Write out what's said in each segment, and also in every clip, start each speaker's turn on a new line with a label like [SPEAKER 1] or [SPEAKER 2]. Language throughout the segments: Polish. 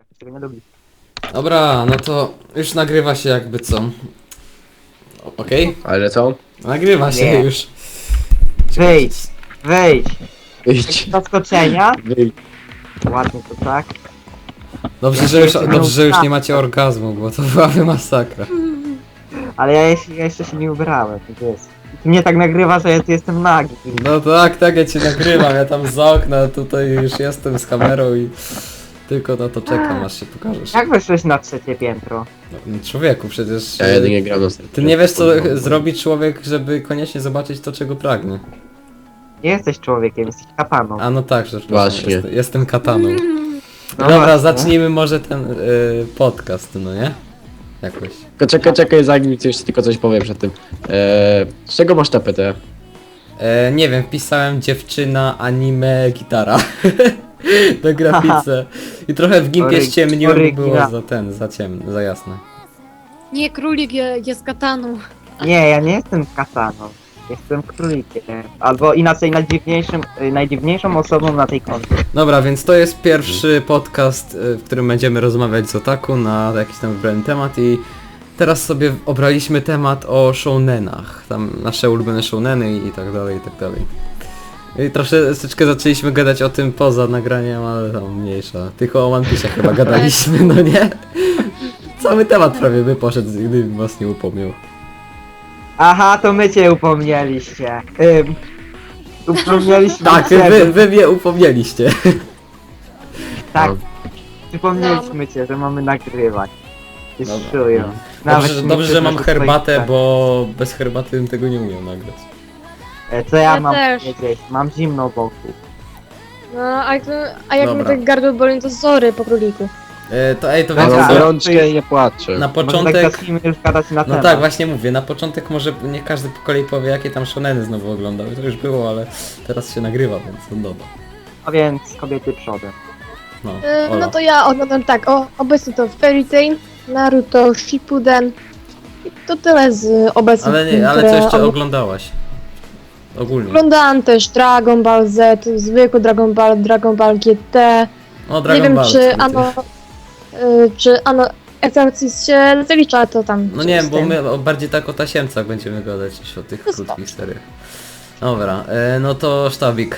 [SPEAKER 1] Tego nie lubi.
[SPEAKER 2] Dobra, no to już nagrywa się jakby co. Okej?
[SPEAKER 3] Ale co?
[SPEAKER 2] Nagrywa się
[SPEAKER 1] Nie.
[SPEAKER 2] już.
[SPEAKER 1] Wyjdź, wyjdź.
[SPEAKER 3] Wyjdź.
[SPEAKER 1] Zaskoczenia?
[SPEAKER 3] Wyjdź.
[SPEAKER 1] Ładnie to tak.
[SPEAKER 2] Dobrze, że już nie macie orgazmu, bo to byłaby masakra.
[SPEAKER 1] Ale ja jeszcze się nie ubrałem, to jest. Ty mnie tak nagrywa, że ja tu jestem nagi.
[SPEAKER 2] No tak, ja cię nagrywam, ja tam z okna tutaj już jestem z kamerą i tylko na to czekam, aż się pokażesz.
[SPEAKER 1] Jak weszłeś na trzecie piętro?
[SPEAKER 2] No, człowieku, przecież...
[SPEAKER 3] Ja jedynie gram na serwerze.
[SPEAKER 2] Ty nie wiesz co zrobi człowiek, żeby koniecznie zobaczyć to, czego pragnie.
[SPEAKER 1] Nie jesteś człowiekiem, jesteś kapaną.
[SPEAKER 2] A no tak, że
[SPEAKER 3] Właśnie.
[SPEAKER 2] jestem kataną.
[SPEAKER 1] No
[SPEAKER 2] Dobra,
[SPEAKER 1] właśnie.
[SPEAKER 2] zacznijmy może ten podcast, no nie? Jakoś.
[SPEAKER 3] Tylko czekaj, zanim coś, tylko coś powiem przed tym. Z czego masz tapetę?
[SPEAKER 2] Nie wiem, wpisałem dziewczyna, anime, gitara. Na grafice. I trochę w gimpie ściemniłem, bo było za ciemno, za jasne.
[SPEAKER 4] Nie, królik jest kataną.
[SPEAKER 1] Nie, ja nie jestem kataną. Jestem królikiem. Albo inaczej najdziwniejszą osobą na tej koncie.
[SPEAKER 2] Dobra, więc to jest pierwszy podcast, w którym będziemy rozmawiać z otaku na jakiś tam wybrany temat i teraz sobie obraliśmy temat o shounenach. Tam nasze ulubione shouneny i tak dalej, i tak dalej. I troszeczkę zaczęliśmy gadać o tym poza nagraniem, ale tam mniejsza. Tylko o One Piece chyba gadaliśmy, no nie? Cały temat prawie by poszedł, gdybym was nie upomniał.
[SPEAKER 1] Aha, to my cię upomnieliście. Upomnieliśmy
[SPEAKER 2] Tak,
[SPEAKER 1] cię.
[SPEAKER 2] wy mnie upomnieliście.
[SPEAKER 1] Tak,
[SPEAKER 3] No.
[SPEAKER 1] przypomnieliśmy cię, że mamy nagrywać. Ty
[SPEAKER 2] Dobra.
[SPEAKER 1] szujo.
[SPEAKER 2] Dobrze, że mam
[SPEAKER 1] twoich
[SPEAKER 2] herbatę,
[SPEAKER 1] tak.
[SPEAKER 2] bo bez herbaty bym tego nie umiał nagrać.
[SPEAKER 1] Co ja
[SPEAKER 4] Ja
[SPEAKER 1] mam
[SPEAKER 4] też.
[SPEAKER 1] powiedzieć? Mam zimno wokół.
[SPEAKER 4] No, a jak
[SPEAKER 2] Dobra.
[SPEAKER 4] mi tak gardło boli, to sorry po króliku.
[SPEAKER 2] To
[SPEAKER 1] Dobra,
[SPEAKER 2] wiecie
[SPEAKER 3] Mam
[SPEAKER 1] ale
[SPEAKER 2] co?
[SPEAKER 3] gorączkę i nie płaczę.
[SPEAKER 2] Na
[SPEAKER 1] Może tak
[SPEAKER 2] początek...
[SPEAKER 1] zacznijmy już gadać na
[SPEAKER 2] No
[SPEAKER 1] temat.
[SPEAKER 2] tak, właśnie mówię, na początek może nie każdy po kolei powie, jakie tam shoneny znowu oglądał. To już było, ale teraz się nagrywa, więc no dobra.
[SPEAKER 1] A więc kobiety przodem.
[SPEAKER 2] No,
[SPEAKER 4] No
[SPEAKER 2] Ola.
[SPEAKER 4] to ja oglądam tak, obecnie to Fairy Tail, Naruto, Shippuden. I to tyle z obecnych
[SPEAKER 2] Ale
[SPEAKER 4] film,
[SPEAKER 2] co
[SPEAKER 4] które
[SPEAKER 2] jeszcze oglądałeś? Ogólnie.
[SPEAKER 4] Oglądałam też Dragon Ball Z, zwykły Dragon Ball GT.
[SPEAKER 2] O, Dragon
[SPEAKER 4] Nie wiem
[SPEAKER 2] Ball.
[SPEAKER 4] czy Exorcist się zalicza, to tam.
[SPEAKER 2] No nie wiem,
[SPEAKER 4] z
[SPEAKER 2] bo
[SPEAKER 4] tym.
[SPEAKER 2] my bardziej tak o tasiemcach będziemy gadać niż o tych
[SPEAKER 4] No
[SPEAKER 2] krótkich seriach. Dobra, no to sztabik.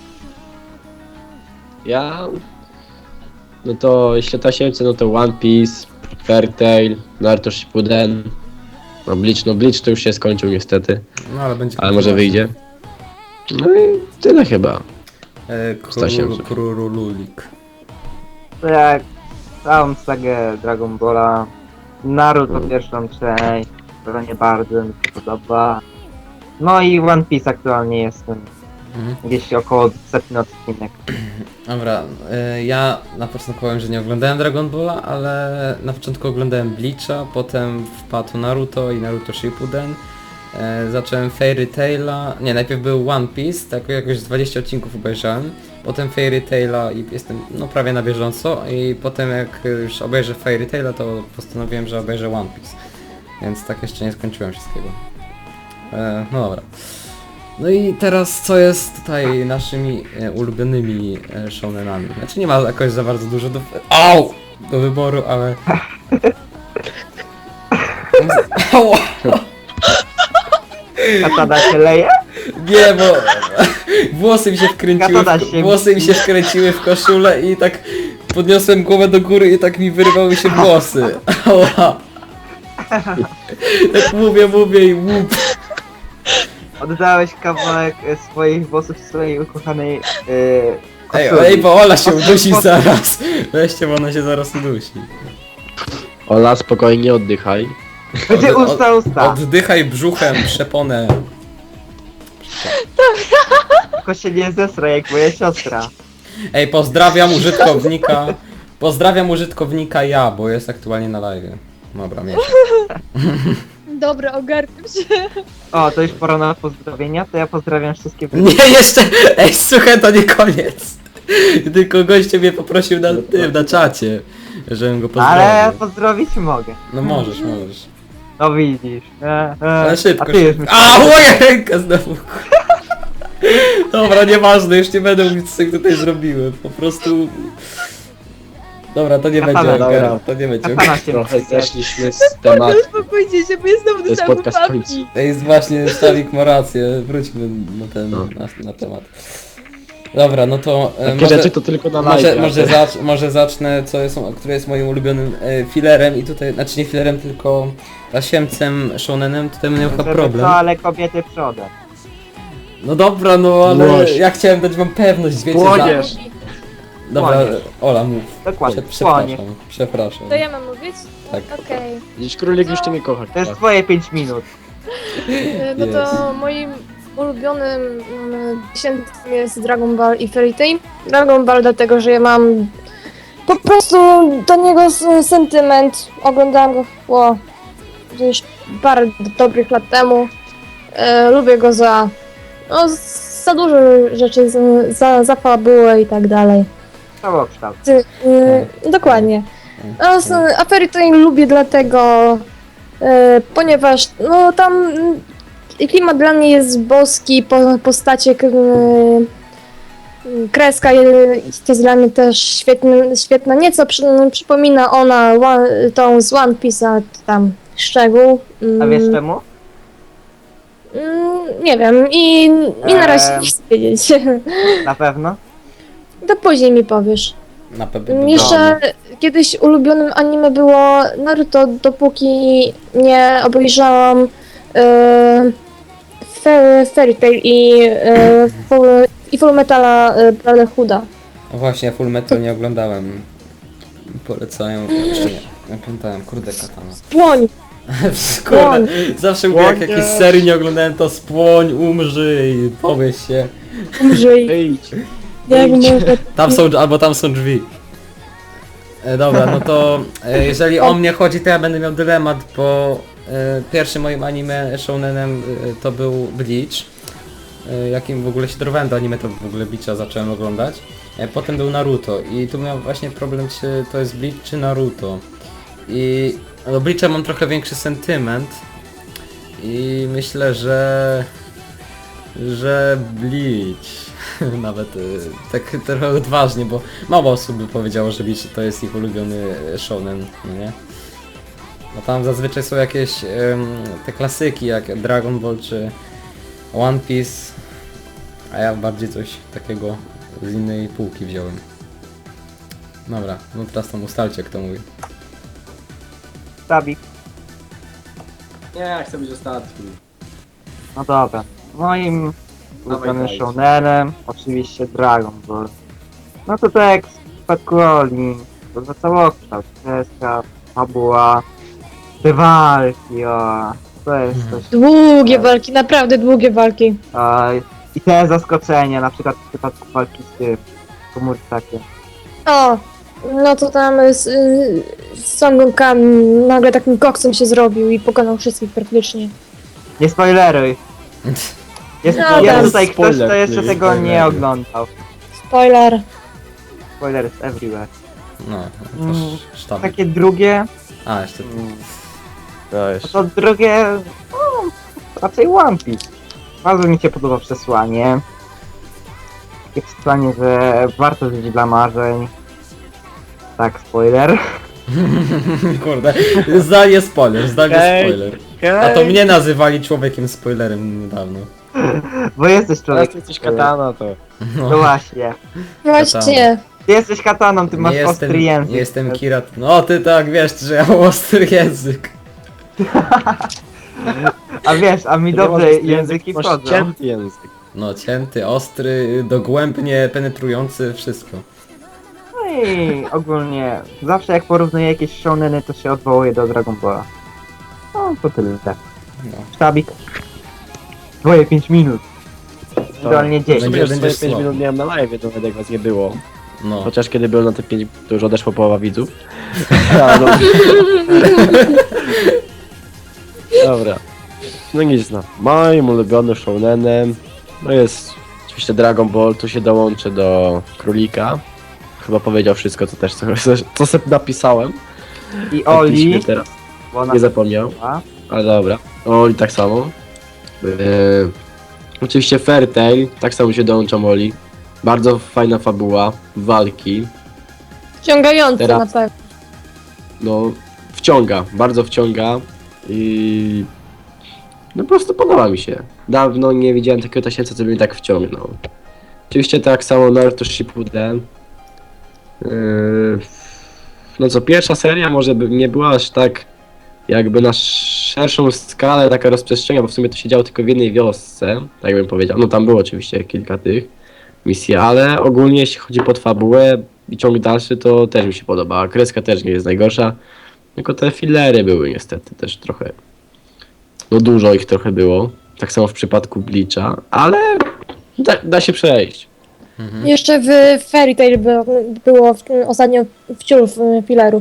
[SPEAKER 3] Ja... No to jeśli tasiemce, no to One Piece, Fairy Tail, Naruto Shippuden. No Bleach to już się skończył niestety,
[SPEAKER 2] No ale będzie...
[SPEAKER 3] ale może wyjdzie. No i tyle chyba. Stasiemce.
[SPEAKER 2] Krurululik.
[SPEAKER 1] To jak całą sagę Dragon Balla, Naruto pierwszą część, która nie bardzo mi się podoba. No i One Piece aktualnie jestem.
[SPEAKER 2] Mhm.
[SPEAKER 1] Gdzieś około 100 odcinek.
[SPEAKER 2] Dobra, ja na początku powiem, że nie oglądałem Dragon Balla, ale na początku oglądałem Bleacha, potem wpadł Naruto i Naruto Shippuden. Zacząłem Fairy Taila, nie, najpierw był One Piece, tak jakoś 20 odcinków obejrzałem, potem Fairy Taila i jestem no prawie na bieżąco i potem jak już obejrzę Fairy Taila, to postanowiłem, że obejrzę One Piece, więc tak jeszcze nie skończyłem wszystkiego. No dobra. No i teraz co jest tutaj naszymi ulubionymi shonenami? Znaczy nie ma jakoś za bardzo dużo do wyboru, ale... Ała!
[SPEAKER 1] Katana się leje?
[SPEAKER 2] Nie, bo włosy mi się
[SPEAKER 1] się-
[SPEAKER 2] wkręciły w koszulę i tak podniosłem głowę do góry i tak mi wyrwały się włosy. Ała! Tak mówię i łup.
[SPEAKER 1] Oddałeś kawałek swoich włosów swojej ukochanej
[SPEAKER 2] Ej,
[SPEAKER 1] koszuli.
[SPEAKER 2] bo Ola się udusi zaraz. Weźcie, bo ona się zaraz udusi.
[SPEAKER 3] Ola, spokojnie oddychaj.
[SPEAKER 1] Będzie usta.
[SPEAKER 2] Oddychaj brzuchem, przeponę.
[SPEAKER 1] Tylko się nie zesra jak moja siostra.
[SPEAKER 2] Ej, pozdrawiam użytkownika ja, bo jest aktualnie na live. Dobra, mieć.
[SPEAKER 4] Dobra, ogarnę się.
[SPEAKER 1] O, to już pora na pozdrowienia, to ja pozdrawiam wszystkie
[SPEAKER 2] Nie, jeszcze! Ej, słuchaj, to nie koniec. Tylko goście mnie poprosił na czacie, żebym go pozdrowił.
[SPEAKER 1] Ale pozdrowić mogę.
[SPEAKER 2] No możesz.
[SPEAKER 1] No widzisz.
[SPEAKER 2] Ale szybko.
[SPEAKER 1] A ty już
[SPEAKER 2] A, moja ręka znowu. Dobra, nieważne, już nie będę mówić co tutaj zrobiłem. Po prostu... Dobra, to nie
[SPEAKER 1] Katana,
[SPEAKER 2] będzie
[SPEAKER 3] dobra.
[SPEAKER 2] Ogar, to nie będzie Ogar.
[SPEAKER 1] Katana się
[SPEAKER 3] Trochę
[SPEAKER 1] wpisuje.
[SPEAKER 3] zeszliśmy z tematu.
[SPEAKER 4] Uspokójcie się, bo jest znowu
[SPEAKER 3] To jest podcast kończy.
[SPEAKER 2] To jest właśnie, Sztawik ma rację, wróćmy na ten,
[SPEAKER 3] No.
[SPEAKER 2] na temat. Dobra, no to
[SPEAKER 3] Takie rzeczy to tylko na live.
[SPEAKER 2] może zacznę, które jest moim ulubionym filerem i tutaj, znaczy nie filerem, tylko tasiemcem shonenem, tutaj będę miał chyba
[SPEAKER 1] Żeby
[SPEAKER 2] problem.
[SPEAKER 1] co, ale kobiety przodem.
[SPEAKER 2] No dobra, no ale
[SPEAKER 3] Łoś.
[SPEAKER 2] ja chciałem dać wam pewność, wiecie,
[SPEAKER 3] Płoniesz.
[SPEAKER 2] Dobra,
[SPEAKER 1] Płoniesz.
[SPEAKER 2] Ola mów.
[SPEAKER 1] Dokładnie,
[SPEAKER 2] Przepraszam, przepraszam.
[SPEAKER 4] To ja mam mówić?
[SPEAKER 2] Tak.
[SPEAKER 4] Okej.
[SPEAKER 3] Dziś królik już cię nie kocha.
[SPEAKER 1] To jest twoje 5 minut.
[SPEAKER 4] No to moim ulubionym dziesiętnym jest Dragon Ball i Fairy Tail. Dragon Ball dlatego, że ja mam po prostu do niego sentyment. Oglądałam go już parę dobrych lat temu. Lubię go za dużo rzeczy, za fabułę i tak dalej.
[SPEAKER 1] Całokształt.
[SPEAKER 4] Dokładnie. A Fairy Tail lubię dlatego, ponieważ no tam klimat dla mnie jest boski, postacie, kreska jest dla mnie też świetna. Nieco przypomina ona tą z One Piece'a tam szczegół.
[SPEAKER 1] A wiesz czemu?
[SPEAKER 4] Nie wiem i na razie nie chcę wiedzieć.
[SPEAKER 1] Na pewno?
[SPEAKER 4] To później mi powiesz.
[SPEAKER 2] Na pewno.
[SPEAKER 4] Jeszcze kiedyś ulubionym anime było Naruto, dopóki nie obejrzałam Fairy Tail i Full Metala Brotherhooda.
[SPEAKER 2] No właśnie, Full Metal nie oglądałem. Polecają, jeszcze nie oglądałem, kurde katana.
[SPEAKER 4] Spłoń!
[SPEAKER 2] Kurde, zawsze mówię jak jakiejś serii nie oglądałem, to spłoń, umrzyj, powiedz się.
[SPEAKER 4] Umrzyj!
[SPEAKER 3] Wyjdź.
[SPEAKER 4] Jak może...
[SPEAKER 2] Tam są drzwi. Dobra, no to jeżeli o mnie chodzi, to ja będę miał dylemat, bo pierwszym moim anime shounenem to był Bleach. Jakim w ogóle się dorwałem do anime, to w ogóle Bleacha zacząłem oglądać. Potem był Naruto i tu miał właśnie problem, czy to jest Bleach czy Naruto. I do Bleacha mam trochę większy sentyment i myślę, że Bleach. Nawet tak trochę odważnie, bo mało osób by powiedziało, że Bleach to jest ich ulubiony shonen, no nie? Bo tam zazwyczaj są jakieś te klasyki jak Dragon Ball czy One Piece, a ja bardziej coś takiego z innej półki wziąłem. Dobra, no teraz tam ustalcie kto mówi.
[SPEAKER 1] Stabik.
[SPEAKER 3] Nie, ja chcę być ostatni.
[SPEAKER 1] No dobra. Moim ulubionym
[SPEAKER 3] daj.
[SPEAKER 1] shounenem oczywiście Dragon Ball. No to tak jak w przypadku Oli, to za całokształt, kreska, fabuła, te walki, to jest coś.
[SPEAKER 4] Długie walki, naprawdę długie walki.
[SPEAKER 1] I te zaskoczenia, na przykład w przypadku walki z tym, Komursakiem.
[SPEAKER 4] O! No to tam z Son Goku nagle takim koksem się zrobił i pokonał wszystkich praktycznie.
[SPEAKER 1] Nie spoileruj! Jest,
[SPEAKER 4] No,
[SPEAKER 1] jest
[SPEAKER 4] tam
[SPEAKER 1] tutaj ktoś,
[SPEAKER 3] spoiler,
[SPEAKER 1] kto jeszcze
[SPEAKER 3] nie
[SPEAKER 1] tego nie
[SPEAKER 3] spoileruj.
[SPEAKER 1] oglądał.
[SPEAKER 4] Spoiler.
[SPEAKER 1] Spoiler is everywhere.
[SPEAKER 2] No, to
[SPEAKER 1] Mm,
[SPEAKER 2] sztab.
[SPEAKER 1] Takie drugie,
[SPEAKER 2] A, jeszcze to.
[SPEAKER 3] Dajesz.
[SPEAKER 1] to drugie, no, raczej One Piece. Bardzo mi się podoba przesłanie. Takie przesłanie, że warto żyć dla marzeń. Tak, spoiler.
[SPEAKER 2] Kurde, zdanie spoiler, zdanie
[SPEAKER 3] Okej.
[SPEAKER 2] spoiler. A to mnie nazywali człowiekiem spoilerem niedawno.
[SPEAKER 1] Bo jesteś
[SPEAKER 3] Teraz
[SPEAKER 1] człowiek.
[SPEAKER 3] ty jesteś katana, to.
[SPEAKER 1] No właśnie.
[SPEAKER 4] Właśnie.
[SPEAKER 1] Ty jesteś kataną, ty masz ostry język.
[SPEAKER 2] nie jestem Kirat. No ty tak wiesz, że ja mam ostry język.
[SPEAKER 1] A wiesz, a mi
[SPEAKER 3] Ty nie
[SPEAKER 1] dobrze
[SPEAKER 3] masz ostry
[SPEAKER 1] języki
[SPEAKER 3] masz
[SPEAKER 1] wchodzą.
[SPEAKER 3] cięty język.
[SPEAKER 2] No cięty, ostry, dogłębnie penetrujący, wszystko.
[SPEAKER 1] No i ogólnie, zawsze jak porównuję jakieś shoneny, to się odwołuję do Dragon Balla. No, to tyle.
[SPEAKER 2] No.
[SPEAKER 1] Sztabik. Twoje 5 minut. Idealnie 10.
[SPEAKER 2] Będzie-
[SPEAKER 3] Będziesz
[SPEAKER 2] będziesz
[SPEAKER 3] 5
[SPEAKER 2] słaby.
[SPEAKER 3] minut miałem na live, nawet jak was nie było.
[SPEAKER 2] No.
[SPEAKER 3] Chociaż kiedy byłem na te 5 to już odeszło połowa widzów. A, no. Dobra. No nic no. Moim ulubionym shounenem no jest oczywiście Dragon Ball, tu się dołączę do Królika. Chyba powiedział wszystko, co też co sobie napisałem.
[SPEAKER 1] I
[SPEAKER 3] Faktycznie
[SPEAKER 1] Oli,
[SPEAKER 3] teraz
[SPEAKER 1] bo ona
[SPEAKER 3] nie zapomniał,
[SPEAKER 1] była.
[SPEAKER 3] ale dobra. Oli tak samo. Oczywiście Fairy Tail, tak samo się dołączam Oli. Bardzo fajna fabuła, walki.
[SPEAKER 4] Wciągające
[SPEAKER 3] Teraz-
[SPEAKER 4] na pewno.
[SPEAKER 3] No, wciąga, bardzo wciąga i no po prostu podoba mi się. Dawno nie widziałem takiego tasiemca, co by mnie tak wciągnął. Oczywiście tak samo Naruto Shippuden. No co, pierwsza seria może by nie była aż tak jakby na szerszą skalę taka rozprzestrzenia, bo w sumie to się działo tylko w jednej wiosce, tak bym powiedział. No tam było oczywiście kilka tych misji, ale ogólnie jeśli chodzi pod fabułę i ciąg dalszy, to też mi się podoba. A kreska też nie jest najgorsza, tylko te fillery były niestety też trochę, no dużo ich trochę było. Tak samo w przypadku Bleacha, ale da się przejść.
[SPEAKER 4] Jeszcze w Fairy Tail było ostatnio wciul filerów.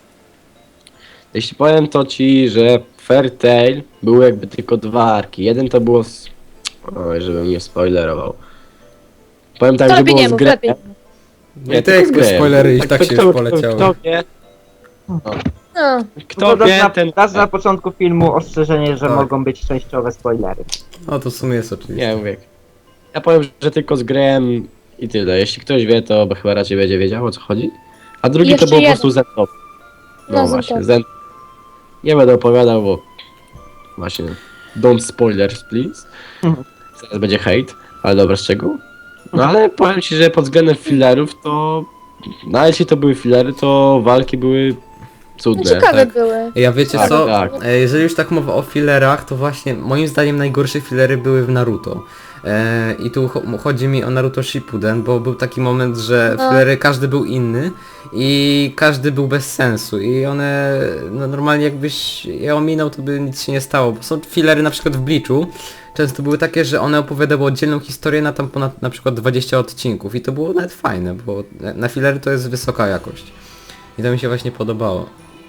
[SPEAKER 3] Jeśli powiem to ci, że Fairy Tail były jakby tylko dwa arki. Jeden to było z... Oj, żebym nie spoilerował. Powiem tak,
[SPEAKER 4] To
[SPEAKER 3] że
[SPEAKER 4] lepiej
[SPEAKER 3] było
[SPEAKER 4] nie
[SPEAKER 3] z
[SPEAKER 4] mów,
[SPEAKER 3] Grey.
[SPEAKER 4] lepiej.
[SPEAKER 2] No i te spoilery i tak się już poleciały.
[SPEAKER 3] Kto wie,
[SPEAKER 4] No,
[SPEAKER 3] kto
[SPEAKER 1] To
[SPEAKER 3] wie, ten...
[SPEAKER 1] dasz na początku filmu ostrzeżenie, że
[SPEAKER 2] Tak.
[SPEAKER 1] mogą być częściowe spoilery.
[SPEAKER 2] No to w sumie jest oczywiste.
[SPEAKER 3] Nie mówię. Ja powiem, że tylko z Greyem i tyle. Jeśli ktoś wie, to chyba raczej będzie wiedział, o co chodzi. A drugi
[SPEAKER 4] Jeszcze
[SPEAKER 3] to był po
[SPEAKER 4] jeden.
[SPEAKER 3] prostu Zentow. No
[SPEAKER 4] No,
[SPEAKER 3] właśnie,
[SPEAKER 4] Zentow.
[SPEAKER 3] Zen... Nie będę opowiadał, bo... Właśnie... Don't spoilers, please. Zaraz będzie hate, ale dobra, z czego? No ale powiem ci, że pod względem fillerów to... No jeśli to były fillery, to walki były cudne.
[SPEAKER 4] ciekawe
[SPEAKER 2] tak.
[SPEAKER 4] były.
[SPEAKER 2] Ja wiecie
[SPEAKER 3] Tak,
[SPEAKER 2] co?
[SPEAKER 3] tak.
[SPEAKER 2] Jeżeli już tak mowa o fillerach, to właśnie moim zdaniem najgorsze fillery były w Naruto. I tu chodzi mi o Naruto Shippuden, bo był taki moment, że
[SPEAKER 4] No.
[SPEAKER 2] fillery każdy był inny i każdy był bez sensu i one no normalnie jakbyś je ominął, to by nic się nie stało, bo są fillery na przykład w Bleachu, często były takie, że one opowiadały oddzielną historię na tam ponad na przykład 20 odcinków i to było nawet fajne, bo na fillery to jest wysoka jakość i to mi się właśnie podobało.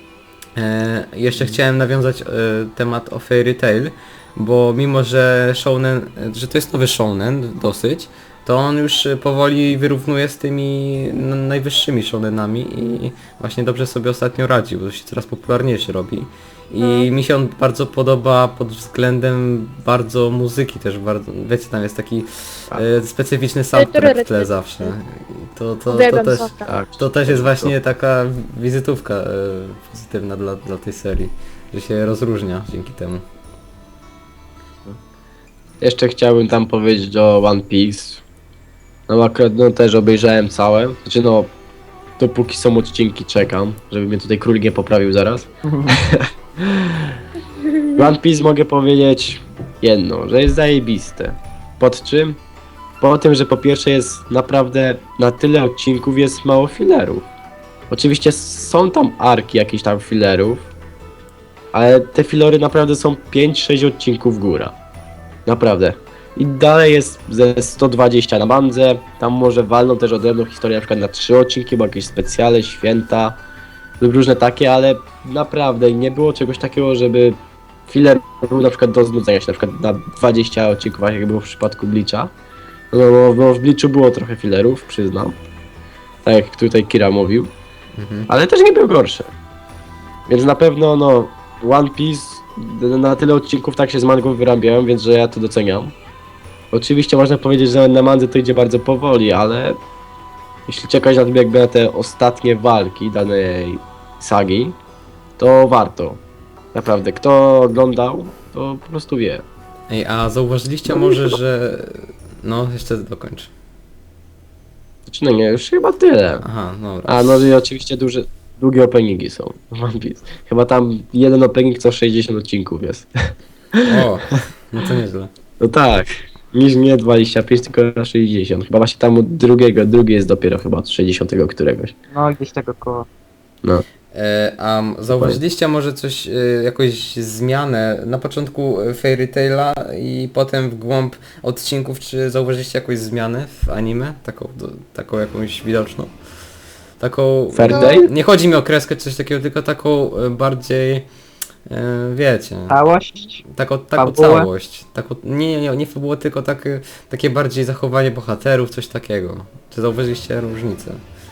[SPEAKER 2] Jeszcze chciałem nawiązać temat o Fairy Tail, bo mimo, że shounen, że to jest nowy shounen dosyć, to on już powoli wyrównuje z tymi najwyższymi shounenami i właśnie dobrze sobie ostatnio radzi, bo się coraz popularniejszy robi. I mi się on bardzo podoba pod względem bardzo muzyki też, bardzo, wiecie, tam jest taki specyficzny soundtrack w tle zawsze. To
[SPEAKER 4] Uwielbiam
[SPEAKER 2] też,
[SPEAKER 4] soundtrack.
[SPEAKER 3] Tak.
[SPEAKER 2] to też jest właśnie taka wizytówka pozytywna dla tej serii, że się rozróżnia dzięki temu.
[SPEAKER 3] Jeszcze chciałbym tam powiedzieć o One Piece. No akurat no, też obejrzałem całe. Znaczy no, dopóki są odcinki czekam, żeby mnie tutaj król nie poprawił zaraz. One Piece mogę powiedzieć jedno, że jest zajebiste. Pod czym? Po tym, że po pierwsze jest naprawdę na tyle odcinków jest mało fillerów. Oczywiście są tam arki jakichś tam fillerów, ale te fillery naprawdę są 5-6 odcinków góra. Naprawdę. I dalej jest ze 120 na bandze, tam może walną też odrębną historię na przykład na 3 odcinki, bo jakieś specjale, święta lub różne takie, ale naprawdę nie było czegoś takiego, żeby filler był na przykład do znudzenia się, na przykład na 20 odcinków, jak było w przypadku Bleacha. No bo w Bleachu było trochę fillerów, przyznam. Tak jak tutaj Kira mówił. Ale też nie były gorsze. Więc na pewno no One Piece na tyle odcinków tak się z mangą wyrabiałem, więc że ja to doceniam. Oczywiście można powiedzieć, że na mandze to idzie bardzo powoli, ale jeśli czekać na to jakby na te ostatnie walki danej sagi, to warto. Naprawdę, kto oglądał, to po prostu wie.
[SPEAKER 2] Ej, a zauważyliście może, że... No, jeszcze dokończ.
[SPEAKER 3] Znaczy no nie, już chyba tyle.
[SPEAKER 2] Aha, dobra.
[SPEAKER 3] A no i oczywiście długie openingi są w One Piece. Chyba tam jeden opening co 60 odcinków jest.
[SPEAKER 2] O, no to nieźle.
[SPEAKER 3] No tak, niż nie 25, tylko 60. Chyba właśnie tam od drugi jest dopiero chyba od 60 któregoś.
[SPEAKER 1] No gdzieś tego koło.
[SPEAKER 3] No.
[SPEAKER 2] A zauważyliście może coś, jakąś zmianę na początku Fairy Taila i potem w głąb odcinków, czy zauważyliście jakąś zmianę w anime? Taką jakąś widoczną? Taką...
[SPEAKER 3] Fairy
[SPEAKER 4] No.
[SPEAKER 3] Tail?
[SPEAKER 2] Nie chodzi mi o kreskę czy coś takiego, tylko taką bardziej... wiecie...
[SPEAKER 1] Całość?
[SPEAKER 2] Taką
[SPEAKER 1] Fabułę?
[SPEAKER 2] całość. Nie fabułę, tylko takie bardziej zachowanie bohaterów, coś takiego. Czy zauważyliście różnicę?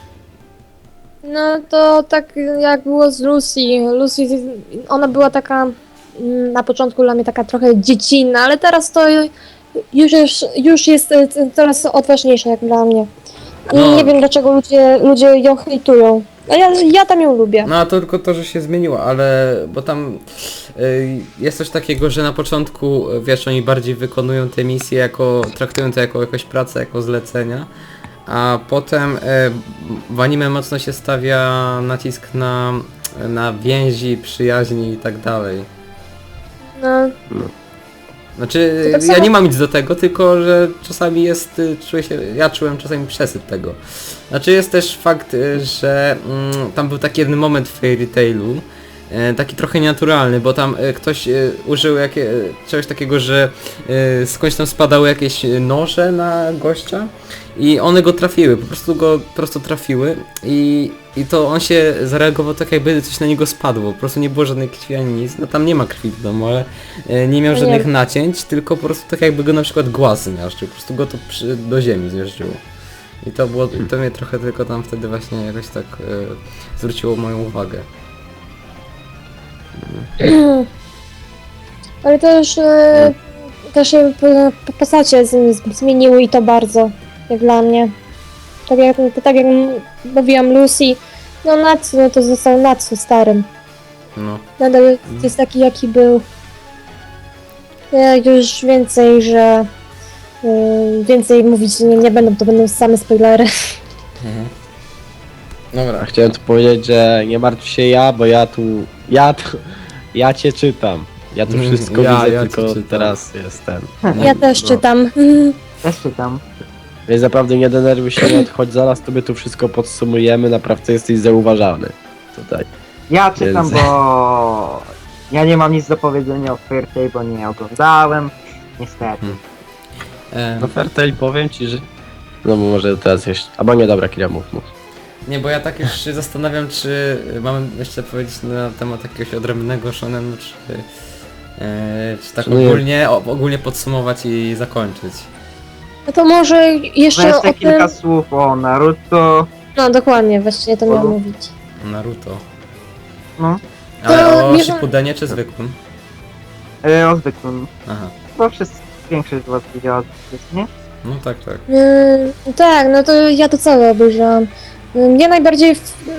[SPEAKER 4] No to tak jak było z Lucy. Lucy, ona była taka na początku dla mnie taka trochę dziecinna, ale teraz to już jest coraz odważniejsza jak dla mnie. I
[SPEAKER 2] No.
[SPEAKER 4] nie wiem dlaczego ludzie ją hejtują. No ja tam ją lubię.
[SPEAKER 2] No a to tylko to, że się zmieniło, ale bo tam jest coś takiego, że na początku, wiesz, oni bardziej wykonują te misje jako, traktują to jako jakąś pracę, jako zlecenia, a potem w anime mocno się stawia nacisk na więzi, przyjaźni i tak dalej.
[SPEAKER 4] No,
[SPEAKER 2] Znaczy,
[SPEAKER 4] To tak
[SPEAKER 2] ja
[SPEAKER 4] samo-
[SPEAKER 2] nie mam nic do tego, tylko że czasami jest, ja czułem czasami przesyt tego. Znaczy jest też fakt, że tam był taki jeden moment w Fairy Tailu, taki trochę nienaturalny, bo tam ktoś użył czegoś takiego, że skądś tam spadały jakieś noże na gościa i one go trafiły, po prostu go prosto trafiły i to on się zareagował tak, jakby coś na niego spadło, po prostu nie było żadnej krwi ani nic, no tam nie ma krwi w domu, ale nie miał
[SPEAKER 4] No
[SPEAKER 2] żadnych
[SPEAKER 4] nie.
[SPEAKER 2] nacięć, tylko po prostu tak jakby go na przykład głaz zmiażdżył, po prostu go to do ziemi zmiażdżyło. I to mnie trochę tylko tam wtedy właśnie jakoś tak zwróciło moją uwagę.
[SPEAKER 4] ale też się postacie zmieniły i to bardzo, jak dla mnie. Tak jak mówiłam Lucy, no Natsu no to został Natsu starym.
[SPEAKER 2] No.
[SPEAKER 4] Nadal jest taki jaki był. Ja już więcej, że więcej mówić nie będę, to będą same spoilery.
[SPEAKER 2] Dobra.
[SPEAKER 3] A chciałem tu powiedzieć, że nie martw się bo ja cię czytam. Ja tu wszystko
[SPEAKER 2] Ja
[SPEAKER 3] widzę,
[SPEAKER 2] cię
[SPEAKER 3] tylko
[SPEAKER 2] czytam.
[SPEAKER 3] teraz jestem.
[SPEAKER 4] Ja też
[SPEAKER 3] No.
[SPEAKER 4] czytam.
[SPEAKER 1] Też czytam.
[SPEAKER 3] Więc naprawdę nie denerwuj się, choć zaraz tobie tu wszystko podsumujemy, naprawdę jesteś zauważalny. Tutaj.
[SPEAKER 1] Ja czytam,
[SPEAKER 3] Więc-
[SPEAKER 1] bo ja nie mam nic do powiedzenia o Fairy Tail, bo nie oglądałem. Niestety.
[SPEAKER 3] No Fairtail powiem ci, że... No bo może teraz jeszcze... Albo nie, dobra, Kira, mów.
[SPEAKER 2] Nie, bo ja tak już się zastanawiam, czy mam jeszcze powiedzieć na temat jakiegoś odrębnego shonenu, czy tak
[SPEAKER 3] No nie.
[SPEAKER 2] ogólnie podsumować i zakończyć.
[SPEAKER 4] No to może jeszcze
[SPEAKER 1] Jeszcze
[SPEAKER 4] o
[SPEAKER 1] kilka
[SPEAKER 4] tym...
[SPEAKER 1] słów o Naruto.
[SPEAKER 4] No dokładnie, właśnie to miałam
[SPEAKER 1] O.
[SPEAKER 4] mówić.
[SPEAKER 2] Naruto.
[SPEAKER 1] No,
[SPEAKER 2] Ale o
[SPEAKER 4] nie-
[SPEAKER 2] Shippudenie czy zwykłym?
[SPEAKER 1] o zwykłym.
[SPEAKER 2] Aha.
[SPEAKER 1] Bo większość z was widziała, nie?
[SPEAKER 2] No tak.
[SPEAKER 4] Tak, no to ja to całe obejrzałam. Mnie najbardziej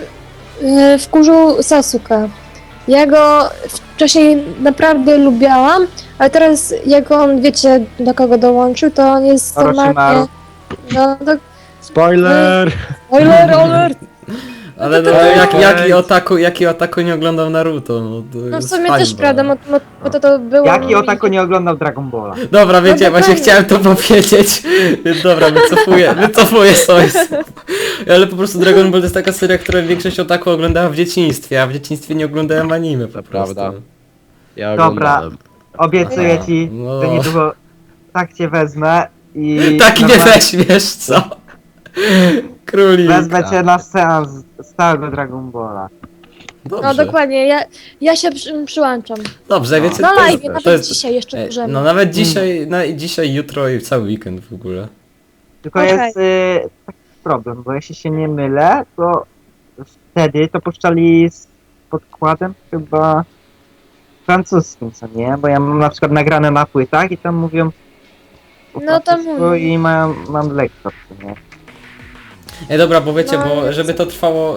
[SPEAKER 4] wkurzył Sasuke. Ja go wcześniej naprawdę lubiałam, ale teraz jak on, wiecie, do kogo dołączył, to on jest
[SPEAKER 1] Orochimaru.
[SPEAKER 4] normalnie... No to...
[SPEAKER 3] Spoiler!
[SPEAKER 4] Spoiler alert!
[SPEAKER 2] Ale
[SPEAKER 4] to
[SPEAKER 2] no,
[SPEAKER 3] tak.
[SPEAKER 2] jaki Otaku nie oglądał Naruto? No, to
[SPEAKER 4] No w
[SPEAKER 2] jest
[SPEAKER 4] sumie
[SPEAKER 2] hańba.
[SPEAKER 4] też prawda, bo to było...
[SPEAKER 1] Jaki Otako nie oglądał Dragon Balla?
[SPEAKER 2] Dobra, wiecie,
[SPEAKER 4] No
[SPEAKER 2] właśnie
[SPEAKER 4] dokładnie.
[SPEAKER 2] chciałem to powiedzieć. Dobra, wycofuję swoje słowa. Ale po prostu Dragon Ball to jest taka seria, która większość Otaku oglądała w dzieciństwie, a w dzieciństwie nie oglądałem anime po
[SPEAKER 3] To
[SPEAKER 2] prostu.
[SPEAKER 3] prawda. Ja
[SPEAKER 1] Dobra.
[SPEAKER 3] oglądałem.
[SPEAKER 1] Obiecuję
[SPEAKER 2] A,
[SPEAKER 1] ci,
[SPEAKER 2] no.
[SPEAKER 1] że niedługo tak cię wezmę i...
[SPEAKER 2] Tak nie
[SPEAKER 1] normalnie
[SPEAKER 2] weźmiesz, co? Królik.
[SPEAKER 1] Wezmę cię na seans stałego Dragon Balla.
[SPEAKER 2] Dobrze.
[SPEAKER 4] No dokładnie, ja się przyłączam.
[SPEAKER 2] Dobrze, wiecie,
[SPEAKER 4] Na
[SPEAKER 2] to
[SPEAKER 4] live,
[SPEAKER 2] jest,
[SPEAKER 4] nawet
[SPEAKER 2] to jest,
[SPEAKER 4] dzisiaj jeszcze
[SPEAKER 2] Ej,
[SPEAKER 4] możemy.
[SPEAKER 2] no nawet dzisiaj, jutro i cały weekend w ogóle.
[SPEAKER 1] Tylko
[SPEAKER 4] Okej.
[SPEAKER 1] jest taki problem, bo jeśli się nie mylę, to wtedy to puszczali z podkładem chyba francuskim, co nie? Bo ja mam na przykład nagrane na płytach i tam mówią po
[SPEAKER 4] No to
[SPEAKER 1] francusku
[SPEAKER 4] mówię.
[SPEAKER 1] i mam lektor, co nie?
[SPEAKER 2] Dobra, bo wiecie,
[SPEAKER 4] No,
[SPEAKER 2] bo
[SPEAKER 4] jest-
[SPEAKER 2] żeby to trwało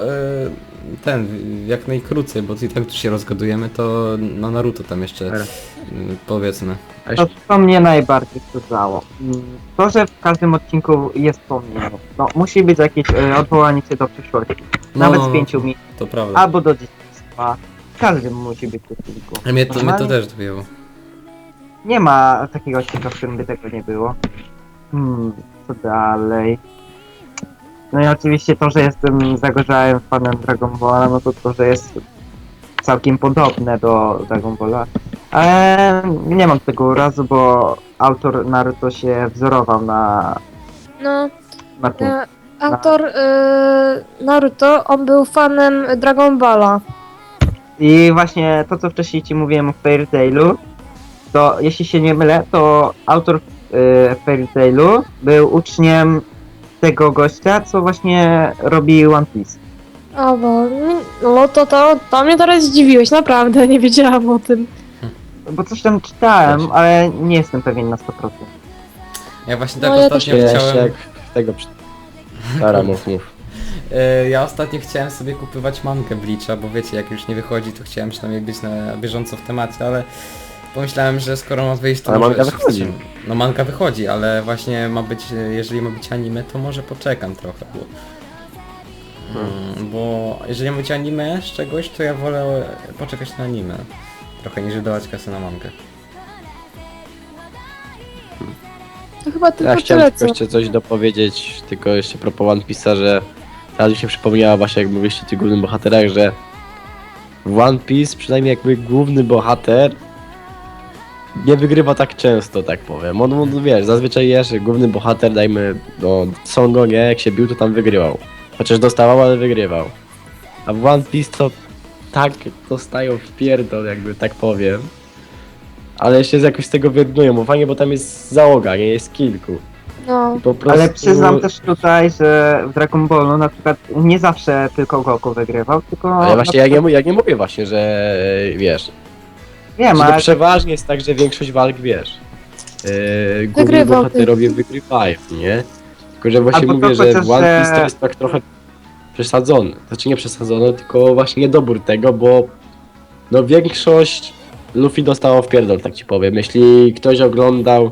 [SPEAKER 2] jak najkrócej, bo i tak tu się rozgadujemy, to na Naruto tam jeszcze
[SPEAKER 1] Dobra.
[SPEAKER 2] powiedzmy.
[SPEAKER 1] To mnie najbardziej wkurzało. To, że w każdym odcinku jest pomnienie. No, musi być jakieś odwołanie się do przyszłości. Nawet z 5 minut.
[SPEAKER 2] To prawda.
[SPEAKER 1] Albo do dzieciństwa. W każdym musi być w odcinku.
[SPEAKER 2] A mnie to
[SPEAKER 1] Normalnie
[SPEAKER 2] też dobiło.
[SPEAKER 1] Nie ma takiego odcinka, w którym by tego nie było. Co dalej? No i oczywiście to, że jestem zagorzałym fanem Dragon Balla, no to, że jest całkiem podobne do Dragon Balla. Ale nie mam tego urazu, bo autor Naruto się wzorował na tym.
[SPEAKER 4] Autor Naruto, on był fanem Dragon Balla.
[SPEAKER 1] I właśnie to, co wcześniej ci mówiłem o Fairy Tailu, to jeśli się nie mylę, to autor Fairy Tailu był uczniem tego gościa, co właśnie robi One Piece.
[SPEAKER 4] O bo, no to mnie teraz zdziwiłeś, naprawdę, nie wiedziałam o tym.
[SPEAKER 1] Bo coś tam czytałem, ale nie jestem pewien na 100%.
[SPEAKER 2] Ja właśnie
[SPEAKER 4] No,
[SPEAKER 2] tak
[SPEAKER 4] ja
[SPEAKER 2] ostatnio
[SPEAKER 3] Jeszcze
[SPEAKER 2] chciałem...
[SPEAKER 3] jak tego... Dobra, mów.
[SPEAKER 2] Ja ostatnio chciałem sobie kupywać mangę Bleacha, bo wiecie, jak już nie wychodzi, to chciałem przynajmniej być na bieżąco w temacie, ale pomyślałem, że skoro ma wyjść, to
[SPEAKER 3] Ale
[SPEAKER 2] może...
[SPEAKER 3] manga wychodzi.
[SPEAKER 2] No manga wychodzi, ale właśnie ma być, jeżeli ma być anime, to może poczekam trochę, bo jeżeli ma być anime z czegoś, to ja wolę poczekać na anime. Trochę niż wydawać kasę na mangę.
[SPEAKER 4] To chyba
[SPEAKER 3] Ja
[SPEAKER 4] tylko
[SPEAKER 3] chciałem
[SPEAKER 4] tyle,
[SPEAKER 3] tylko
[SPEAKER 4] co...
[SPEAKER 3] jeszcze coś dopowiedzieć, tylko jeszcze propos One Piece'a, że teraz mi się przypomniała właśnie jak mówiliście o tych głównych bohaterach, że w One Piece przynajmniej jakby główny bohater nie wygrywa tak często, tak powiem. On wiesz, zazwyczaj jest główny bohater, dajmy, no Son Goku, jak się bił, to tam wygrywał. Chociaż dostawał, ale wygrywał. A w One Piece to tak dostają w pierdol, jakby tak powiem. Ale jeszcze jakoś z tego wyrównują, bo fajnie, bo tam jest załoga, nie jest kilku.
[SPEAKER 4] No.
[SPEAKER 3] Po prostu...
[SPEAKER 1] Ale przyznam też tutaj, że w Dragon Ballu na przykład nie zawsze tylko Goku wygrywał, tylko...
[SPEAKER 3] Ale właśnie ja nie mówię właśnie, że wiesz,
[SPEAKER 1] Wiem,
[SPEAKER 3] że to
[SPEAKER 1] ale
[SPEAKER 3] przeważnie jest tak, że większość walk, wiesz, główni
[SPEAKER 4] Wygrywał
[SPEAKER 3] bohaterowie wygrywają, nie? Tylko, że właśnie
[SPEAKER 1] Albo to
[SPEAKER 3] mówię, że
[SPEAKER 1] chociaż,
[SPEAKER 3] w One Piece
[SPEAKER 1] że-
[SPEAKER 3] to jest tak trochę przesadzone. Znaczy nie przesadzone, tylko właśnie niedobór tego, bo no większość Luffy dostało w pierdol, tak ci powiem. Jeśli ktoś oglądał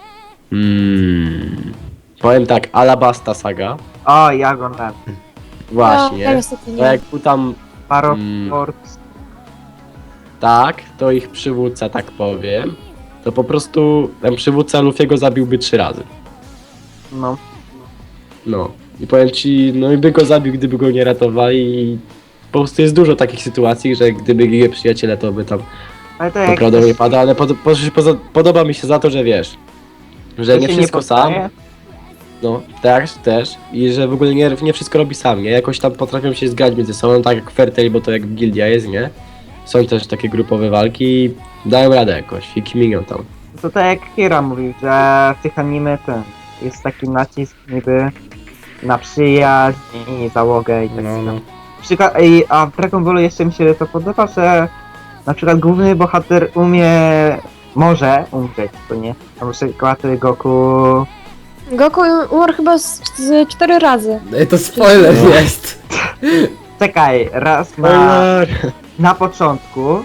[SPEAKER 3] powiem tak, Alabasta Saga,
[SPEAKER 1] O, ja oglądałem.
[SPEAKER 4] No,
[SPEAKER 3] właśnie,
[SPEAKER 4] ja niestety
[SPEAKER 3] to
[SPEAKER 4] nie.
[SPEAKER 3] jak był tam
[SPEAKER 1] Paro
[SPEAKER 3] Mm.
[SPEAKER 1] Force.
[SPEAKER 3] tak, to ich przywódca, tak powiem, to po prostu ten przywódca Luffy'ego zabiłby 3 razy.
[SPEAKER 1] No.
[SPEAKER 3] No. I powiem ci, no i by go zabił, gdyby go nie ratowali i po prostu jest dużo takich sytuacji, że gdyby ginie przyjaciele, to by tam
[SPEAKER 1] Ale to jak
[SPEAKER 3] prawdopodobnie pada, ale podoba mi się za to, że wiesz, że
[SPEAKER 1] to
[SPEAKER 3] nie
[SPEAKER 1] się
[SPEAKER 3] wszystko sam,
[SPEAKER 1] poddaje.
[SPEAKER 3] no też i że w ogóle nie wszystko robi sam, nie? Jakoś tam potrafią się zgrać między sobą, tak jak Fairtail, bo to jak gildia jest, nie? Są też takie grupowe walki i dają radę jakoś i kminią tam.
[SPEAKER 1] To tak jak Kira mówił, że w tych anime ten jest taki nacisk niby na przyjaźń i załogę i tak
[SPEAKER 2] No, no.
[SPEAKER 1] Przykład, a w Dragon Ballu jeszcze mi się to podoba, że na przykład główny bohater może umrzeć, to nie? Na przykład Goku...
[SPEAKER 4] Goku umarł chyba z 4 razy.
[SPEAKER 2] Ej, to spoiler
[SPEAKER 3] No.
[SPEAKER 2] jest!
[SPEAKER 1] Czekaj, raz na początku,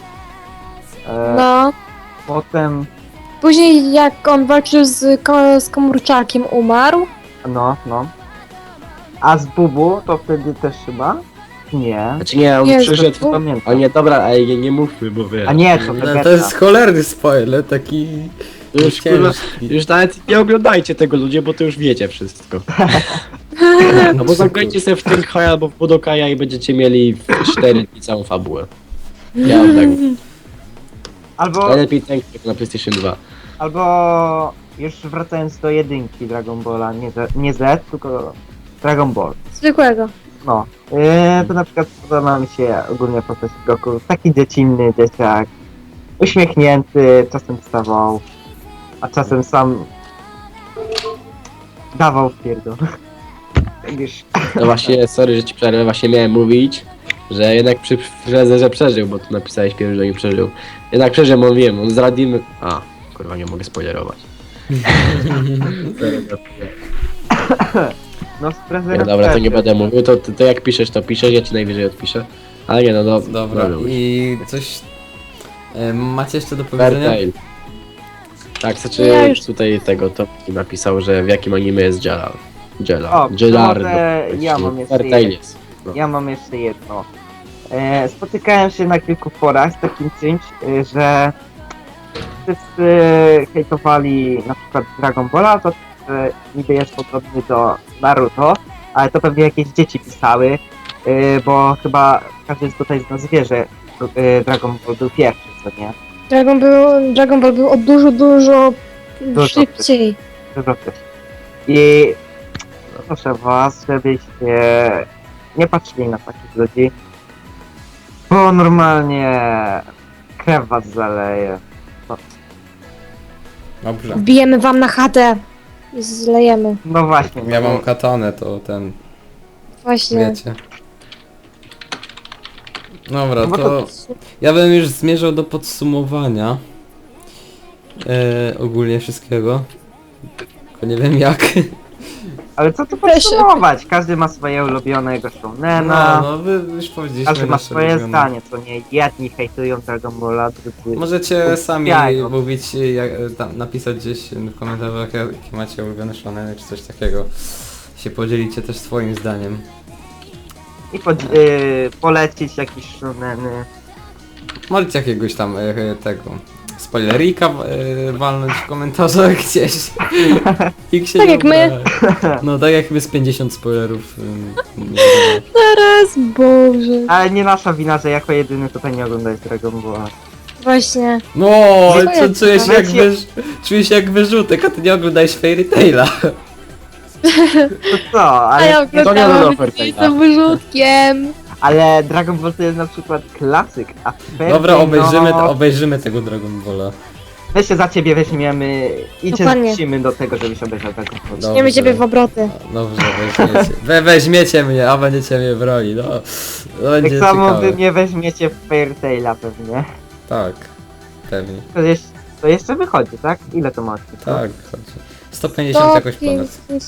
[SPEAKER 4] No.
[SPEAKER 1] potem,
[SPEAKER 4] Później jak on walczył z komórczakiem, umarł.
[SPEAKER 1] no, a z Bubu to wtedy też chyba? Nie,
[SPEAKER 3] Znaczy nie, on
[SPEAKER 4] Jest,
[SPEAKER 3] przyszedł...
[SPEAKER 4] to-
[SPEAKER 1] pamiętam.
[SPEAKER 3] O nie, dobra, ej, nie mówmy, bo wiesz.
[SPEAKER 1] A nie, to
[SPEAKER 2] No,
[SPEAKER 1] Vegeta.
[SPEAKER 2] to jest cholerny spoiler, taki...
[SPEAKER 3] Już, kurwa,
[SPEAKER 2] ciężki.
[SPEAKER 3] już nawet nie oglądajcie tego ludzie, bo to już wiecie wszystko. No bo zagrajcie sobie w ten Haya albo w Budokaja i będziecie mieli w 4 dni całą fabułę. Ja mam tak.
[SPEAKER 1] Albo,
[SPEAKER 3] Najlepiej ten na PlayStation 2.
[SPEAKER 1] albo już wracając do jedynki Dragon Balla, nie Z, tylko Dragon Ball.
[SPEAKER 4] Zwykłego.
[SPEAKER 1] No, to na przykład podoba mi się ogólnie postać Goku, taki dziecinny dzieciak, uśmiechnięty, czasem wstawał, a czasem sam dawał w pierdol. Wiesz,
[SPEAKER 3] No właśnie, sorry, że ci przerwę, właśnie miałem mówić, że jednak że przeżył, bo tu napisałeś pierwszy, że nie przeżył. Jednak przeżył, bo wiem, on z Radimy... A, kurwa, nie mogę spoilerować.
[SPEAKER 1] no z
[SPEAKER 3] Nie,
[SPEAKER 1] prezerem
[SPEAKER 3] dobra, to nie będę mówił, to jak piszesz, to piszesz, ja ci najwyżej odpiszę. Ale nie, no
[SPEAKER 2] Dobra,
[SPEAKER 3] już.
[SPEAKER 2] i coś... macie jeszcze do powiedzenia?
[SPEAKER 3] Fairtail. Tak, znaczy
[SPEAKER 4] Ja już-
[SPEAKER 3] tutaj tego to napisał, że w jakim anime jest Jela.
[SPEAKER 1] O,
[SPEAKER 3] Jelar.
[SPEAKER 1] może ja mam jeszcze
[SPEAKER 3] Fairtail
[SPEAKER 1] jedno.
[SPEAKER 3] jest. No.
[SPEAKER 1] Ja mam jeszcze jedno. Spotykałem się na kilku forach z takim czymś, że wszyscy hejtowali na przykład Dragon Balla, to że niby jest podobny do Naruto, ale to pewnie jakieś dzieci pisały, bo każdy tutaj z nas wie, że Dragon Ball był pierwszy, co nie?
[SPEAKER 4] Dragon Ball był o dużo
[SPEAKER 1] Dużo
[SPEAKER 4] szybciej.
[SPEAKER 1] Dużo wcześniej. I proszę was, żebyście nie patrzyli na takich ludzi, bo normalnie krew was zaleje.
[SPEAKER 2] Dobrze.
[SPEAKER 4] Wbijemy wam na chatę. I zlejemy.
[SPEAKER 1] No właśnie.
[SPEAKER 2] Ja
[SPEAKER 1] no,
[SPEAKER 2] mam katanę, to ten...
[SPEAKER 4] Właśnie.
[SPEAKER 2] wiecie. Dobra,
[SPEAKER 1] no bo
[SPEAKER 2] to ja bym już zmierzał do podsumowania ogólnie wszystkiego. Tylko nie wiem jak.
[SPEAKER 1] Ale co tu
[SPEAKER 4] Też-
[SPEAKER 1] podsumować? Każdy ma swoje ulubionego shounena.
[SPEAKER 2] No, wy już powiedzieliśmy
[SPEAKER 1] Każdy ma
[SPEAKER 2] nasze
[SPEAKER 1] swoje
[SPEAKER 2] ulubione.
[SPEAKER 1] zdanie, co nie jedni hejtują Dragon Balla, drudzy...
[SPEAKER 2] Możecie sami
[SPEAKER 1] Uwielbiają.
[SPEAKER 2] mówić, tam, napisać gdzieś w komentarzach, jakie macie ulubione shoneny czy coś takiego. Się podzielicie też swoim zdaniem.
[SPEAKER 1] I polecić jakieś shouneny.
[SPEAKER 2] Możecie jakiegoś tam tego spoilerika walnąć w komentarzach gdzieś. I się
[SPEAKER 4] Tak
[SPEAKER 2] nie
[SPEAKER 4] jak my.
[SPEAKER 2] obrazi. No tak jak my z 50 spoilerów.
[SPEAKER 4] Teraz, Boże.
[SPEAKER 1] Ale nie nasza wina, że jako jedyny tutaj nie oglądałeś Dragon Balla.
[SPEAKER 4] Właśnie.
[SPEAKER 2] No,
[SPEAKER 4] Dziękuję
[SPEAKER 2] czuję się jak
[SPEAKER 1] Wiecie-
[SPEAKER 2] czuję się jak wyrzutek, a ty nie oglądałeś Fairy Taila.
[SPEAKER 1] To co?
[SPEAKER 4] A ja
[SPEAKER 1] Ale,
[SPEAKER 3] to nie
[SPEAKER 4] oglądałam
[SPEAKER 3] do
[SPEAKER 4] i to wyrzutkiem.
[SPEAKER 1] ale Dragon Ball to jest na przykład klasyk, a Fairy
[SPEAKER 2] Dobra,
[SPEAKER 1] Tail,
[SPEAKER 2] obejrzymy tego Dragon Balla.
[SPEAKER 1] My się za ciebie weźmiemy i cię
[SPEAKER 4] Dokładnie.
[SPEAKER 1] zmusimy do tego, żebyś obejrzał Dragon Ball.
[SPEAKER 2] Dobrze.
[SPEAKER 4] Nie ciebie w obroty.
[SPEAKER 2] Dobrze, weźmiecie. Weźmiecie mnie, a będziecie mnie broni, no. Będzie
[SPEAKER 1] Tak samo
[SPEAKER 2] ciekawe.
[SPEAKER 1] wy mnie weźmiecie w Fairy Taila pewnie.
[SPEAKER 2] Tak, pewnie.
[SPEAKER 1] To jeszcze wychodzi, tak? Ile to ma odcinków?
[SPEAKER 2] Tak, chodź. 150 jakoś ponad.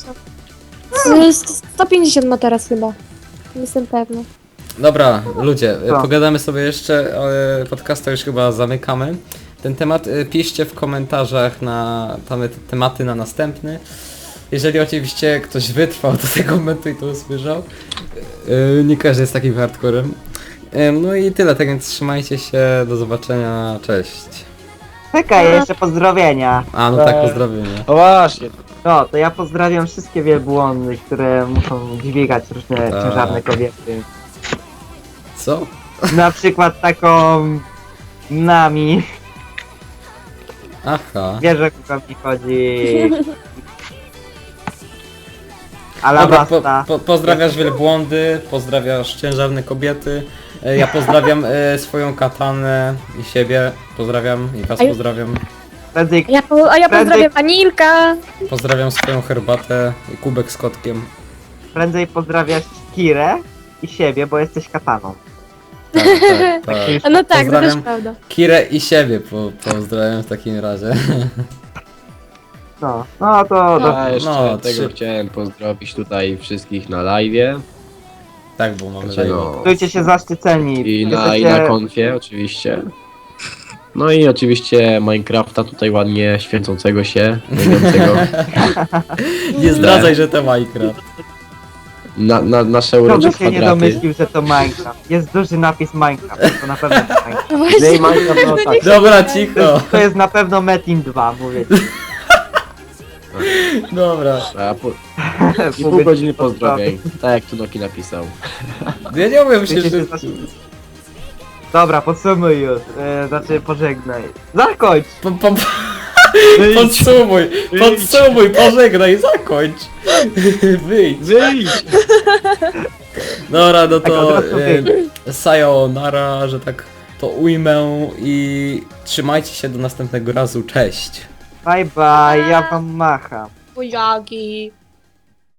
[SPEAKER 4] 150 ma teraz chyba. Jestem pewna.
[SPEAKER 2] Dobra, ludzie,
[SPEAKER 1] Co?
[SPEAKER 2] pogadamy sobie jeszcze, ale podcasta już chyba zamykamy. Ten temat piszcie w komentarzach na tematy na następny. Jeżeli oczywiście ktoś wytrwał do tego momentu i to usłyszał. Nie każdy jest takim hardcorem. No i tyle, tak więc trzymajcie się, do zobaczenia, cześć.
[SPEAKER 1] Czekaj, jeszcze pozdrowienia.
[SPEAKER 2] A, no tak, pozdrowienia.
[SPEAKER 3] O właśnie,
[SPEAKER 1] No, to ja pozdrawiam wszystkie wielbłądy, które muszą dźwigać różne
[SPEAKER 2] Tak.
[SPEAKER 1] ciężarne kobiety.
[SPEAKER 2] Co?
[SPEAKER 1] Na przykład taką Nami.
[SPEAKER 2] Aha.
[SPEAKER 1] Wiesz, o kogo mi chodzi.
[SPEAKER 2] Dobra,
[SPEAKER 1] Alabasta.
[SPEAKER 2] pozdrawiasz wielbłądy, pozdrawiasz ciężarne kobiety. Ja pozdrawiam swoją katanę i siebie. Pozdrawiam i was
[SPEAKER 4] A ja-
[SPEAKER 2] pozdrawiam.
[SPEAKER 1] Prędzej,
[SPEAKER 4] A ja
[SPEAKER 1] Prędzej-
[SPEAKER 4] pozdrawiam Anilka.
[SPEAKER 2] Pozdrawiam swoją herbatę i kubek z kotkiem.
[SPEAKER 1] prędzej pozdrawiasz Kirę i siebie, bo jesteś kataną.
[SPEAKER 2] Tak, tak, tak.
[SPEAKER 4] A no tak, to też
[SPEAKER 2] Pozdrawiam
[SPEAKER 4] prawda.
[SPEAKER 2] Kirę i siebie pozdrawiam w takim razie.
[SPEAKER 1] No, no to do...
[SPEAKER 3] a jeszcze
[SPEAKER 2] no,
[SPEAKER 3] tego
[SPEAKER 2] trzy-
[SPEAKER 3] chciałem pozdrowić tutaj wszystkich na live'ie.
[SPEAKER 2] Tak, bo mamy
[SPEAKER 3] Znaczy,
[SPEAKER 2] live.
[SPEAKER 3] no,
[SPEAKER 1] czujcie się zaszczyceni.
[SPEAKER 3] i na
[SPEAKER 1] Jesteście-
[SPEAKER 3] konfie oczywiście. No i oczywiście Minecrafta tutaj ładnie święcącego się, mówiącego
[SPEAKER 2] Nie zdradzaj, że to Minecraft.
[SPEAKER 3] na nasze
[SPEAKER 1] Kto
[SPEAKER 3] urocze
[SPEAKER 1] by się nie
[SPEAKER 3] kwadraty.
[SPEAKER 1] domyślił, że to Minecraft? Jest duży napis Minecraft, to na pewno to Minecraft.
[SPEAKER 3] No
[SPEAKER 4] Właśnie.
[SPEAKER 3] i Minecraft, no tak.
[SPEAKER 2] Dobra, cicho.
[SPEAKER 1] To jest na pewno Metin 2, mówię ci.
[SPEAKER 2] Dobra.
[SPEAKER 3] A I pół godziny pozdrowień, tak jak tu Noki napisał.
[SPEAKER 2] Ja nie umiem się...
[SPEAKER 1] Czujcie się zaszczyceni. Dobra, podsumuj już. Znaczy pożegnaj. Zakończ!
[SPEAKER 2] Podsumuj, pożegnaj, zakończ. Wyjdź.
[SPEAKER 3] Wyjdź!
[SPEAKER 2] Dobra, no
[SPEAKER 1] Tak, od
[SPEAKER 2] to
[SPEAKER 1] razu wyjdź.
[SPEAKER 2] sayonara, że tak to ujmę i trzymajcie się do następnego razu, cześć.
[SPEAKER 1] Bye bye, ja wam macham.
[SPEAKER 4] Buziaki.